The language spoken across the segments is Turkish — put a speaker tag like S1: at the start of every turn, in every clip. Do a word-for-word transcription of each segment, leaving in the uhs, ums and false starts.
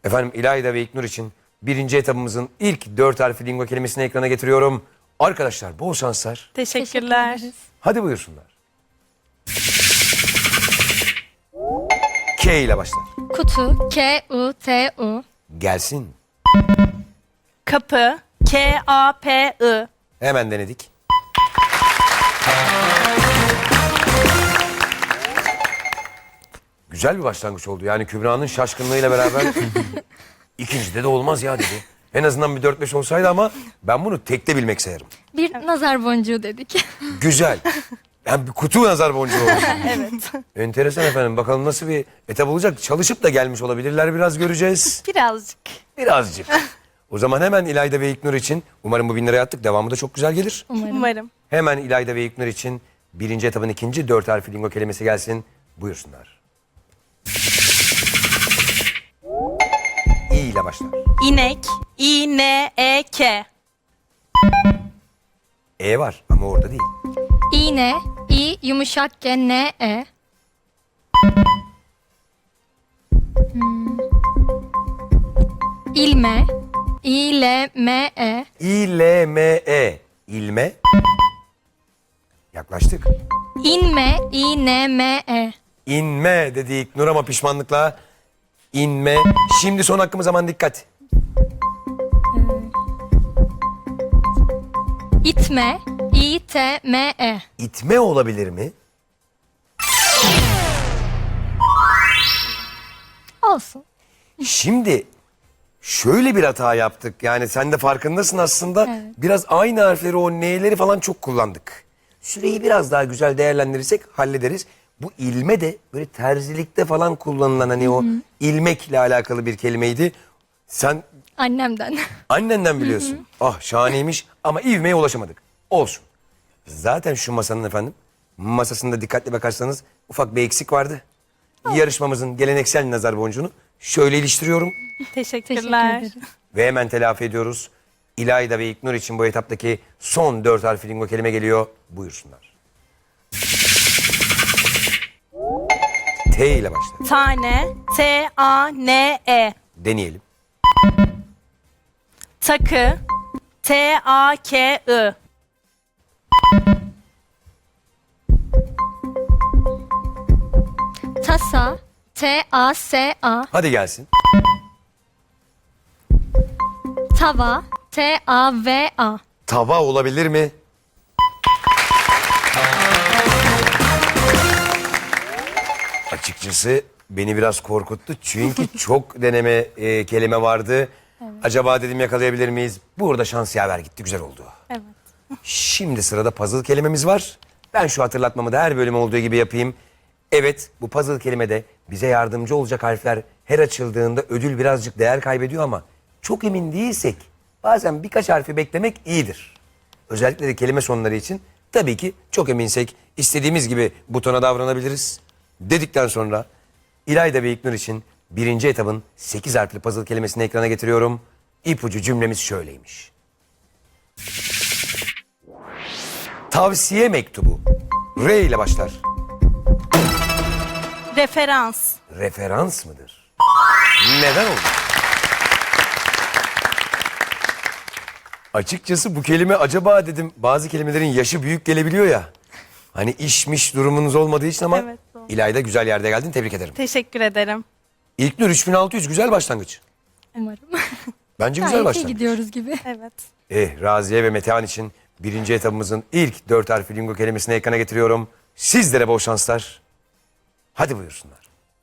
S1: Efendim İlayda ve İlknur için birinci etabımızın ilk dört harfli lingo kelimesini ekrana getiriyorum. Arkadaşlar bol şanslar.
S2: Teşekkürler.
S1: Hadi buyursunlar. K ile başlar.
S3: Kutu. K U T U.
S1: Gelsin.
S2: Kapı. K A P I.
S1: Hemen denedik. Güzel bir başlangıç oldu. Yani Kübra'nın şaşkınlığıyla beraber ikincide de olmaz ya dedi. En azından bir dört beş olsaydı ama ben bunu tekte bilmek sayarım.
S3: Bir nazar boncuğu dedik.
S1: Güzel. Yani bir kutu nazar boncuğu oldu.
S2: Evet.
S1: Enteresan efendim. Bakalım nasıl bir etap olacak. Çalışıp da gelmiş olabilirler. Biraz göreceğiz.
S2: Birazcık.
S1: Birazcık. O zaman hemen İlayda ve İlknur için umarım bu bin liraya attık. Devamı da çok güzel gelir.
S3: Umarım.
S2: Umarım.
S1: Hemen İlayda ve İlknur için birinci etabın ikinci dört harfli lingo kelimesi gelsin. Buyursunlar. İ ile başlar.
S2: İnek. İ N E K.
S1: E var ama orada değil.
S3: İğne. İ yumuşak G N E. Hmm. İlme. İ L M E.
S1: İ L M E. İlme. Yaklaştık.
S3: İnme. İ N M E.
S1: İnme dedi İlknur ama pişmanlıkla. İnme. Şimdi son hakkımız, aman dikkat.
S3: İtme. İ T M E.
S1: İtme olabilir mi?
S3: Olsun.
S1: Şimdi şöyle bir hata yaptık. Yani sen de farkındasın aslında.
S3: Evet.
S1: Biraz aynı harfleri, o n'leri falan çok kullandık. Süreyi biraz daha güzel değerlendirirsek hallederiz. Bu ilme de böyle terzilikte falan kullanılan hani o ilmekle alakalı bir kelimeydi. Sen
S3: Annemden.
S1: annenden biliyorsun. Ah şahaneymiş ama ivmeye ulaşamadık. Olsun. Zaten şu masanın efendim masasında dikkatli bakarsanız ufak bir eksik vardı. Yarışmamızın geleneksel nazar boncuğunu şöyle iliştiriyorum
S3: Teşekkür
S2: Teşekkürler.
S3: ederim.
S1: ve hemen telafi ediyoruz. İlayda ve İlknur için bu etaptaki son dört harfli lingo kelime geliyor. Buyursunlar. T ile başlar.
S2: Tane. T A N E.
S1: Deneyelim.
S2: Takı. T A K I.
S3: Tasa. T A S A.
S1: Hadi gelsin.
S3: Tava. T A V A.
S1: Tava olabilir mi? Açıkçası beni biraz korkuttu. Çünkü çok deneme e, kelime vardı. Acaba dedim yakalayabilir miyiz? Burada şans yaver gitti. Güzel oldu.
S2: Evet.
S1: Şimdi sırada puzzle kelimemiz var. Ben şu hatırlatmamı da her bölüm olduğu gibi yapayım. Evet, bu puzzle kelimede bize yardımcı olacak harfler her açıldığında ödül birazcık değer kaybediyor ama çok emin değilsek bazen birkaç harfi beklemek iyidir. Özellikle de kelime sonları için tabii ki çok eminsek istediğimiz gibi butona davranabiliriz. Dedikten sonra İlayda ve İlknur için birinci etabın sekiz harfli puzzle kelimesini ekrana getiriyorum. İpucu cümlemiz şöyleymiş. Tavsiye mektubu. R ile başlar.
S2: Referans.
S1: Referans mıdır? Neden oldu? Açıkçası bu kelime acaba dedim, bazı kelimelerin yaşı büyük gelebiliyor ya. Hani işmiş durumunuz olmadığı için ama
S2: Evet, doğru.
S1: İlayda güzel yerde geldin, tebrik ederim.
S2: Teşekkür ederim.
S1: İlknur üç bin altı yüz güzel başlangıç.
S3: Umarım.
S1: Bence güzel
S3: Gayet iyi
S1: başlangıç.
S3: gidiyoruz gibi.
S2: Evet.
S1: Eh, Raziye ve Metehan için birinci etabımızın ilk dört harfli lingo kelimesini ekrana getiriyorum. Sizlere bol şanslar. Hadi buyursunlar.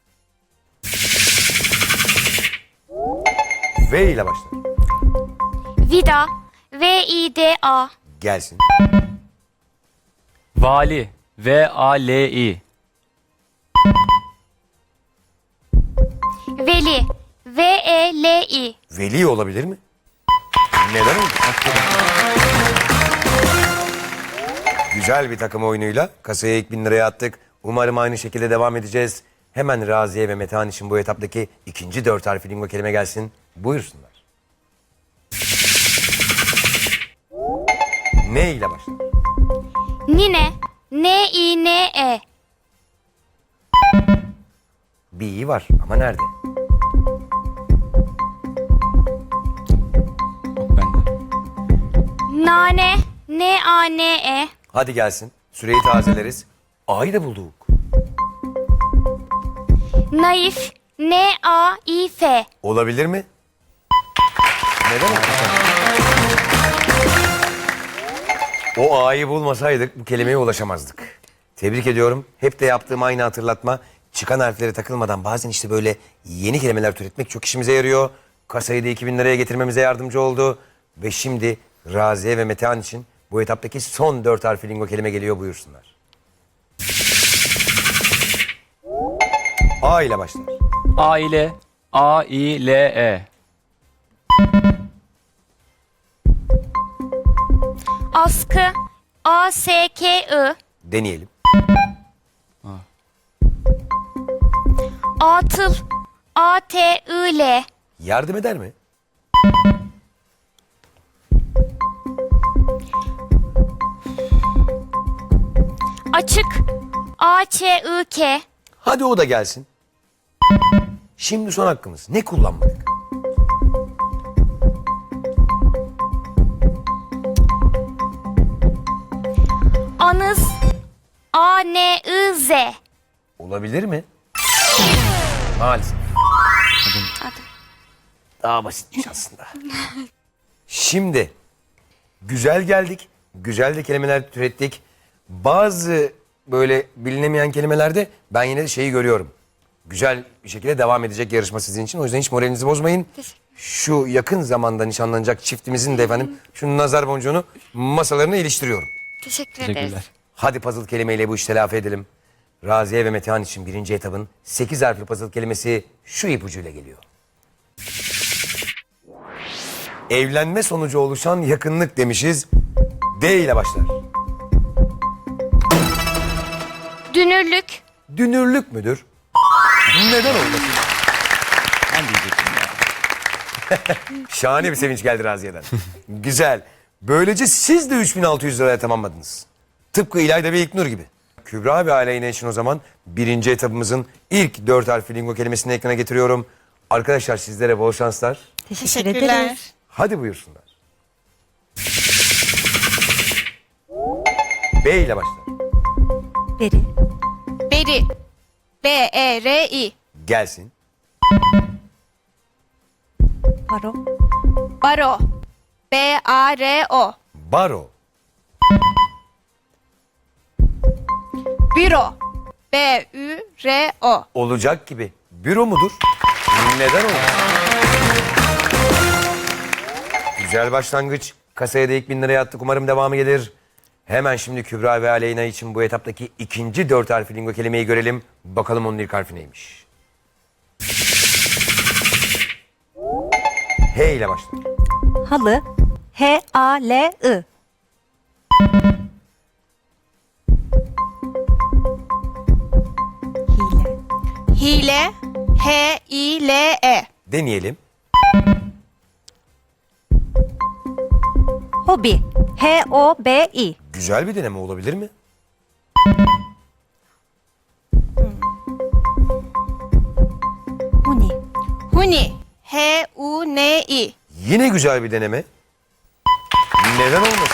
S1: V ile başlar.
S4: Vida. V I D A.
S1: Gelsin.
S5: Vali. V A L I.
S4: Veli. V E L I.
S1: Veli olabilir mi? Neden oldu? Güzel bir takım oyunuyla kasaya ilk bin liraya attık. Umarım aynı şekilde devam edeceğiz. Hemen Raziye ve Metehan için bu etaptaki ikinci dört harfli lingo kelime gelsin. Buyursunlar. Ne ile başlar?
S4: Nine. N I N E.
S1: Bir iyi var ama nerede?
S4: Nane. N A N E.
S1: Hadi gelsin. Süreyi tazeleriz. A'yı da bulduk.
S4: Naif. N A İ F.
S1: Olabilir mi? Neden olmasın? O A'yı bulmasaydık bu kelimeye ulaşamazdık. Tebrik ediyorum. Hep de yaptığım aynı hatırlatma. Çıkan harflere takılmadan bazen işte böyle yeni kelimeler türetmek çok işimize yarıyor. Kasayı da iki bin liraya getirmemize yardımcı oldu. Ve şimdi Raziye ve Metehan için bu etaptaki son dört harfli lingo kelime geliyor, buyursunlar. A ile başlar.
S5: Aile. A I L E.
S4: Askı. A S K I.
S1: Deneyelim.
S4: Atıl. A T I L.
S1: Yardım eder mi?
S4: Açık. A Ç I K.
S1: Hadi o da gelsin. Şimdi son hakkımız. Ne kullanmadık?
S4: Anız. A N I Z.
S1: Olabilir mi? Maalesef. Daha basitmiş aslında. Şimdi güzel geldik. Güzel de kelimeler türettik. Bazı böyle bilinemeyen kelimelerde ben yine de şeyi görüyorum. Güzel bir şekilde devam edecek yarışma sizin için. O yüzden hiç moralinizi bozmayın. Şu yakın zamanda nişanlanacak çiftimizin de efendim şu nazar boncuğunu masalarına iliştiriyorum.
S4: Teşekkür
S5: Teşekkürler.
S1: Hadi puzzle kelimeyle bu işi telafi edelim. Raziye ve Metehan için birinci etabın sekiz harfli puzzle kelimesi şu ipucuyla geliyor. Evlenme sonucu oluşan yakınlık demişiz. D ile başlar.
S4: Dünürlük.
S1: Dünürlük müdür? Neden olmasın?
S5: Ben diyecektim ya.
S1: Şahane bir sevinç geldi Raziye'den. Güzel. Böylece siz de üç bin altı yüz liraya tamamladınız. Tıpkı İlayda ve İlknur gibi. Kübra ve Aleyna için o zaman birinci etabımızın ilk dört harfli lingo kelimesini ekrana getiriyorum. Arkadaşlar sizlere bol şanslar.
S2: Teşekkürler.
S1: Hadi buyursunlar. B ile başlar.
S2: Beri. Beri. B E R I.
S1: Gelsin.
S2: Baro. Baro. B A R O.
S1: Baro.
S2: Büro. B Ü R O.
S1: Olacak gibi. Büro mudur? Neden olur? Güzel başlangıç. Kasaya da ilk bin liraya attık. Umarım devamı gelir. Hemen şimdi Kübra ve Aleyna için bu etaptaki ikinci dört harfli lingo kelimeyi görelim. Bakalım onun ilk harfi neymiş? H ile başlar.
S2: Halı. H A L I. Hile. Hile. H I L E.
S1: Deneyelim.
S2: Hobi. H O B I.
S1: Güzel bir deneme olabilir mi?
S2: Huni. Huni. H U N I.
S1: Yine güzel bir deneme. Neden olmasın?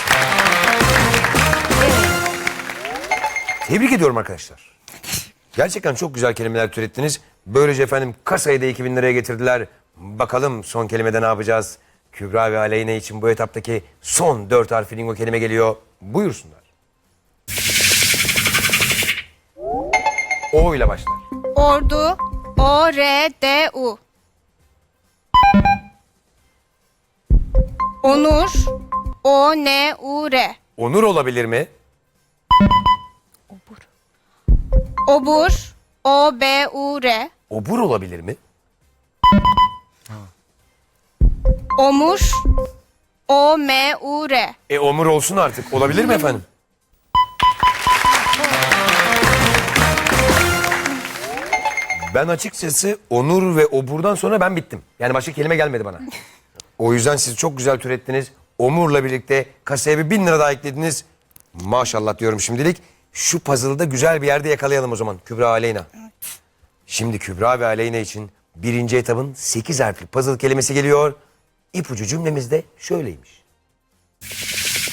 S1: Tebrik ediyorum arkadaşlar. Gerçekten çok güzel kelimeler türettiniz. Böylece efendim kasayı da iki bin liraya getirdiler. Bakalım son kelimede ne yapacağız? Kübra ve Aleyna için bu etaptaki son dört harfli lingo kelime geliyor. Buyursunlar. O ile başlar.
S2: Ordu. O R D U. Onur. O N U R.
S1: Onur olabilir mi?
S2: Obur. O B U R.
S1: Obur olabilir mi?
S2: Omur. O M U R.
S1: E omur olsun artık. Olabilir mi efendim? Ben açıkçası onur ve oburdan sonra ben bittim. Yani başka kelime gelmedi bana. O yüzden siz çok güzel türettiniz. Omur'la birlikte kasaya bir bin lira daha eklediniz. Maşallah diyorum şimdilik. Şu puzzle'ı da güzel bir yerde yakalayalım o zaman Kübra Aleyna. Şimdi Kübra ve Aleyna için birinci etabın sekiz harfli puzzle kelimesi geliyor. İpucu cümlemiz de şöyleymiş.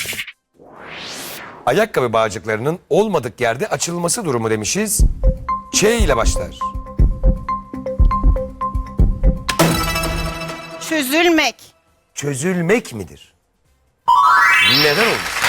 S1: Ayakkabı bağcıklarının olmadık yerde açılması durumu demişiz. Ç ile başlar.
S2: Çözülmek.
S1: Çözülmek midir? Neden olur?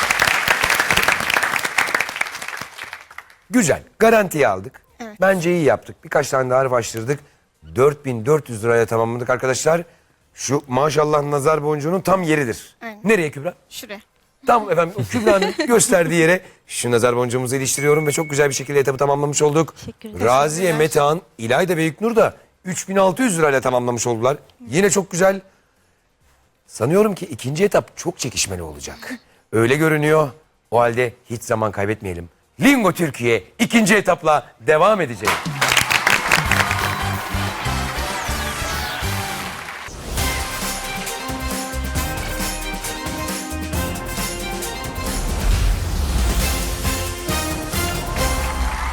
S1: Güzel. Garantiye aldık.
S2: Evet.
S1: Bence iyi yaptık. Birkaç tane daha harf açtırdık. dört bin dört yüz liraya tamamladık arkadaşlar. Şu maşallah nazar boncuğunun tam yeridir.
S2: Aynen.
S1: Nereye Kübra?
S2: Şuraya.
S1: Tam efendim o Kübra'nın gösterdiği yere şu nazar boncuğumuzu iliştiriyorum ve çok güzel bir şekilde etabı tamamlamış olduk. Raziye, Metehan, İlayda ve İlknur da üç bin altı yüz lirayla tamamlamış oldular. Yine çok güzel. Sanıyorum ki ikinci etap çok çekişmeli olacak. Öyle görünüyor. O halde hiç zaman kaybetmeyelim. Lingo Türkiye ikinci etapla devam edecek.